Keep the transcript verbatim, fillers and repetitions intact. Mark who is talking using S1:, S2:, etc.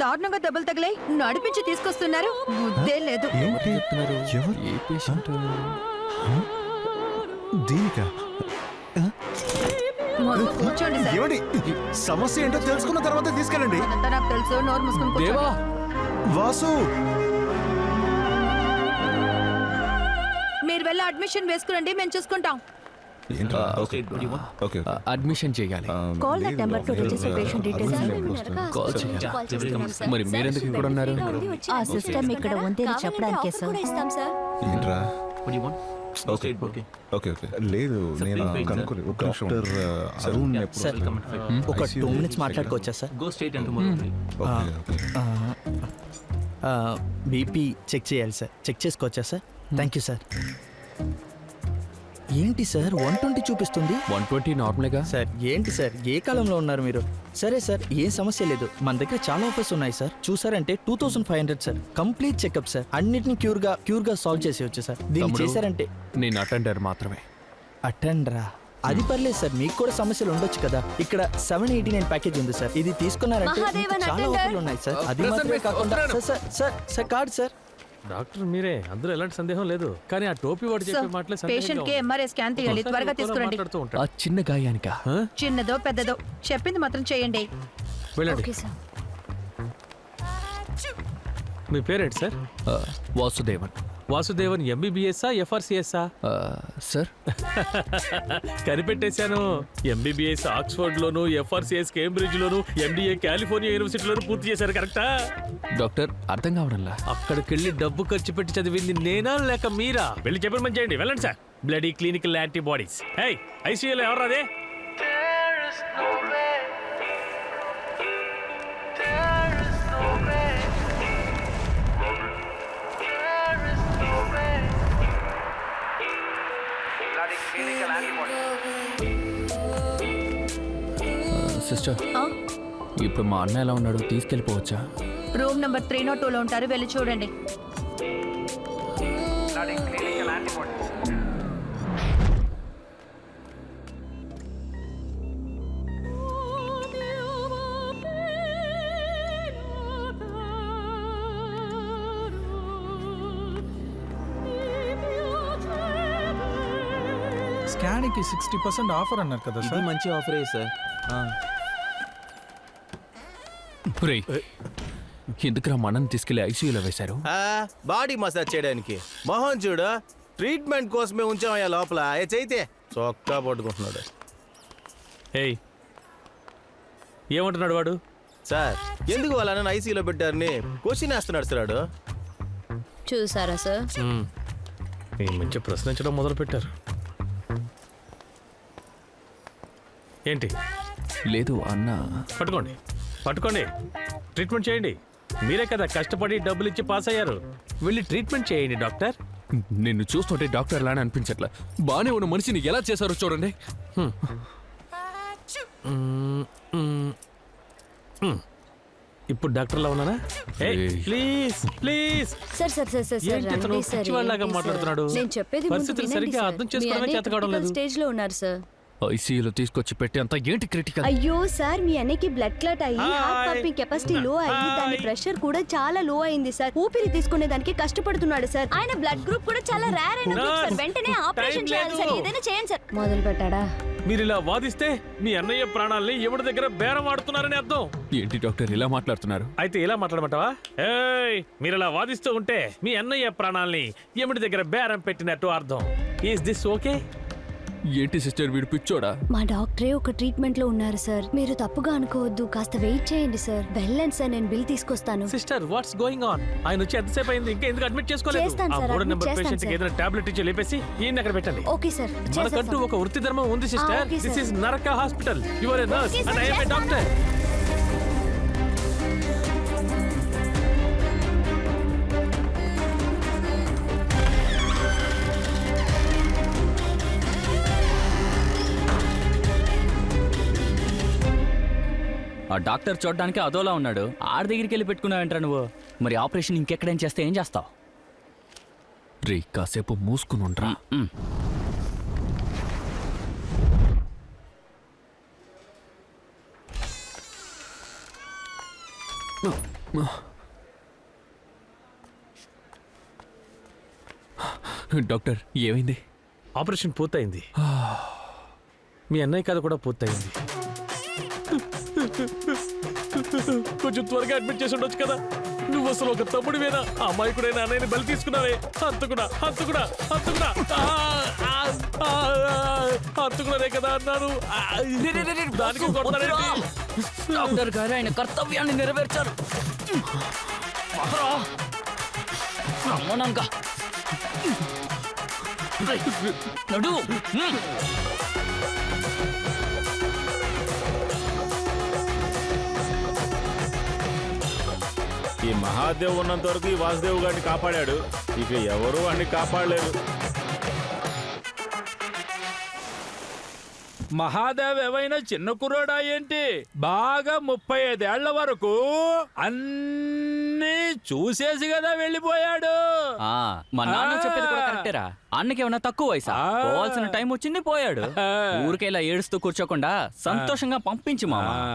S1: దారుణంగా దెబ్బలు తగిలాయి, నడిపించి తీసుకొస్తున్నారు. బుద్ధే లేదు.
S2: ఏంటి చెప్తున్నారు? ఎవరు? ఏ పేషెంట్? దీనికా?
S1: కూర్చోండి సార్.
S2: ఏమండి సమస్య ఏంటో తెలుసుకున్న తర్వాత తీసుకెళ్ళండి.
S1: అదంతా నాకు తెలుసు. నోరు మూసుకొని కూర్చోండి.
S2: వాసు,
S1: మీరు వెళ్ళి అడ్మిషన్ వేసుకురండి, మేము చూసుకుంటాం.
S3: అడ్మిషన్ చేయాలి.
S1: Call that number to register patient details.
S3: Call చేయాలి. మరి మీరెందుకు ఇక్కడ ఉన్నారు?
S1: ఆ సిస్టమ్ ఇక్కడ ఉంది అని చెప్పడానికే సార్.
S2: ఏంట్రా? ఓకే ఓకే ఓకే లేదు, నేను కనుక్కోలేదు. ఒక నిమిషం. అరుణ్
S4: సార్, ఒక టూ మినిట్స్ మాట్లాడుకోవచ్చా సార్? బీపీ చెక్ చేయాలి సార్, చెక్ చేసుకోవచ్చా సార్? Thank you sir. ఏంటి సార్ వన్ ట్వంటీ చూపిస్తుంది?
S3: వన్ ట్వంటీ నార్మల్గా
S4: సార్. ఏంటి సార్, ఏ కాలంలో ఉన్నారు మీరు? సరే సార్, ఏం సమస్య లేదు, మన దగ్గర చాలా ఆఫర్స్ ఉన్నాయి సార్. చూసారంటే two thousand five hundred sir, complete checkup sir. అన్నిటిని క్యూర్ గా క్యూర్ గా సాల్వ్ చేసేయచ్చు సార్. దీన్ని చేశారంటే.
S3: నేను అటెండర్ మాత్రమే.
S4: అటెండరా? అది పర్లేదు సార్, మీకు కూడా సమస్యలు ఉండొచ్చు కదా. ఇక్కడ సెవెన్ ఎయిటీ నైన్ ప్యాకేజ్ ఉంది సార్, ఇది తీసుకున్నారంటే చాలా ఆఫర్లు ఉన్నాయి సార్. అది మాత్రమే కాకుండా sir sir sir card sir.
S5: Doctor మీరే, అందులో ఎలాంటి సందేహం లేదు. కానీ ఆ టోపీ వాడు చెప్పే మాటలే సందేహం.
S1: పేషెంట్ కి ఎంఆర్ఐ స్కాన్ తీయాలి, త్వరగా తీసుకురండి.
S3: ఆ చిన్న గాయానికా?
S1: చిన్నదో పెద్దదో చెప్పింది మాత్రం చేయండి.
S5: వెళ్ళండి. మీ పేరేంటి సార్?
S3: వాసుదేవన్.
S5: వాసుదేవన్ ఎంబీబీఎస్ఆ ఎఫ్ఆర్సిఎస్ఆ?
S3: సార్
S5: కనిపెట్టేశాను. ఎంబీబీఎస్ ఆక్స్ఫర్డ్ లోను, ఎఫ్ఆర్సిఎస్ కేంబ్రిడ్జ్ లోను, ఎండిఏ కాలిఫోర్నియా యూనివర్సిటీలోను పూర్తి చేశారు. కరెక్టా?
S3: డాక్టర్ అర్థం కావడంలా.
S5: అక్కడికి వెళ్ళి డబ్బు ఖర్చు పెట్టి చదివింది నేనా లేక మీరా? వెళ్ళి చెప్పమని చేయండి. వెళ్ళండి sir. Bloody clinical antibodies. Hey, ఐసీయూలో ఎవరు అదే?
S3: సిస్టర్, ఇప్పుడు మా అన్న ఎలా ఉన్నాడు? తీసుకెళ్ళిపోవచ్చా?
S1: Room number three not two లో ఉంటారు, వెళ్ళి చూడండి.
S6: స్కాన్కి సిక్స్టీ పర్సెంట్ ఆఫర్ అన్నారు కదా సార్.
S4: మంచి ఆఫరే సార్.
S3: ఎందుకురా మనని తీసుకెళ్లి ఐసీయూలో వేశారు?
S7: బాడీ మసాజ్ చేయడానికి. మోహన్ చూడు, ట్రీట్మెంట్ కోసమే ఉంచామయ్యా లోపల. ఏ చైతే చొక్కా పట్టుకుంటున్నాడు.
S5: ఏయ్, ఏమంటున్నాడు వాడు?
S7: సార్, ఎందుకు వాళ్ళని ఐసీయూలో పెట్టారని క్వశ్చన్ వేస్తున్నాడు సార్ వాడు.
S8: చూసారా సార్?
S5: ఈ మంచి ప్రశ్నించడం మొదలు పెట్టారు. ఏంటి?
S3: లేదు అన్న.
S5: పట్టుకోండి పట్టుకోండి, ట్రీట్మెంట్ చేయండి. మీరే కదా కష్టపడి డబ్బులు ఇచ్చి పాస్ అయ్యారు. వెళ్ళి ట్రీట్మెంట్ చేయండి డాక్టర్.
S3: నిన్ను చూస్తుంటే డాక్టర్ లానే అనిపించట్లా. బానే ఉన్న మనిషిని ఎలా చేశారో చూడండి.
S5: ఇప్పుడు డాక్టర్లా ఉన్నానా? Please please.
S8: Sir sir sir sir
S5: పిచ్చివాళ్ళలాగా మాట్లాడుతున్నాడు.
S8: నేను చెప్పేది
S5: పరిస్థితులు సరిగ్గా అర్థం చేసుకోవడమే చేత కావడం లేదు.
S8: స్టేజ్ లో ఉన్నారు సార్.
S3: ఐసీయూలో తీసుకొచ్చి పెట్టి అంత ఏంటి క్రిటికల్?
S8: అయ్యో సార్, మీ అన్నకి బ్లడ్ క్లాట్ అయ్యి హార్ట్ పంపింగ్ కెపాసిటీ లో అయ్యి దాని ప్రెషర్ కూడా చాలా లో అయింది సార్. ఊపిరి తీసుకునే దానికి కష్టపడుతున్నాడు సార్. ఆయన బ్లడ్ గ్రూప్ కూడా చాలా రేర్ అయిన గ్రూప్ సార్. వెంటనే ఆపరేషన్ చేయాలి సార్, ఏదైనా చేయండి సార్. మొదలు పెట్టాడా?
S5: మీరు ఇలా వాదిస్తే మీ అన్నయ్య ప్రాణాలని ఎవరి దగ్గర బేరం ఆడుతున్నారని అర్థం.
S3: ఏంటి డాక్టర్ ఇలా మాట్లాడుతున్నారు?
S5: అయితే ఇలా మాట్లాడమంటావా? ఏయ్, మీరు ఇలా వాదిస్తూ ఉంటే మీ అన్నయ్య ప్రాణాలని ఎవరి దగ్గర బేరం పెట్టినట్టు అర్థం. Is this okay?
S3: ఏంటి సిస్టర్, వీడు పిచ్చోడా?
S8: మా డాక్టరే ఒక ట్రీట్మెంట్ లో ఉన్నారు సార్. మీరు తప్పుగా అనుకోవద్దు, కాస్త వెయిట్ చేయండి సార్. వెళ్ళండి సార్, నేను బిల్ తీసుకొస్తాను.
S5: Sister, what's going on? ఆయన వచ్చి ఎంతసేపు అయింది, ఇంకా ఎందుకు అడ్మిట్ చేసుకోలేదు?
S8: చేస్తాను
S5: ఆ
S8: సార్,
S5: మూడో
S8: అడ్మిట్
S5: నెంబర్
S8: చేస్తాను
S5: పేషెంట్ కి
S8: సార్.
S5: ఏదైనా టాబ్లెట్ ఇచ్చి లేపేసి ఈయన అక్కడ పెట్టండి.
S8: ఓకే సార్,
S5: మనకంటూ
S8: చేసేస్తాను.
S5: ఒక వృత్తి ధర్మం ఉంది sister.
S8: Okay
S5: this
S8: sir.
S5: Is నరక hospital. You are a nurse
S8: okay sir,
S5: and I am a
S8: చేస్తాను.
S5: డాక్టర్.
S9: ఆ డాక్టర్ చూడడానికి అదోలా ఉన్నాడు. ఆడి దగ్గరికి వెళ్ళి పెట్టుకున్నావంటరా నువ్వు. మరి ఆపరేషన్ ఇంకెక్కడేం చేస్తే ఏం చేస్తావు?
S3: రే, కాసేపు మూసుకుని ఉండరా.
S9: No.
S3: డాక్టర్ ఏమైంది?
S5: ఆపరేషన్ పూర్తయింది. మీ అన్నయ్య కథ కూడా పూర్తయింది. కొంచెం త్వరగా అడ్మిట్ చేసి ఉండొచ్చు కదా. నువ్వు అసలు ఒక తమ్ముడివేనా? ఆ అమాయకుడైన అన్నయ్యని బలి తీసుకున్నావే. హంతకుడా హంతకుడా హంతకుడా ఆ, ఆ, ఆ, ఆ, హంతకుడనే కదా అన్నాను. ఆ, దానికి కొడతాడేంటి?
S9: డాక్టర్ గారు ఆయన కర్తవ్యాన్ని నెరవేర్చారు. అవునంక. నడు. హ్మ్.
S7: ఈ మహాదేవ్ ఉన్నంత వరకు ఈ వాసుదేవ్ గారిని కాపాడాడు. ఇక ఎవరు వాడిని కాపాడలేరు.
S10: మహాదేవ్ ఏవైనా చిన్న కుర్రోడా ఏంటి? బాగా ముప్పై ఐదేళ్ల వరకు అన్ని చూసేసి కదా వెళ్ళిపోయాడు.
S9: ఆ, మా నాన్న చెప్పేది కూడా కరెక్టేరా. అన్నకి ఏమన్నా తక్కువ వయసా? పోవాల్సిన టైం వచ్చింది, పోయాడు. ఊరికే ఇలా ఏడుస్తూ కూర్చోకుండా సంతోషంగా పంపించు మామ.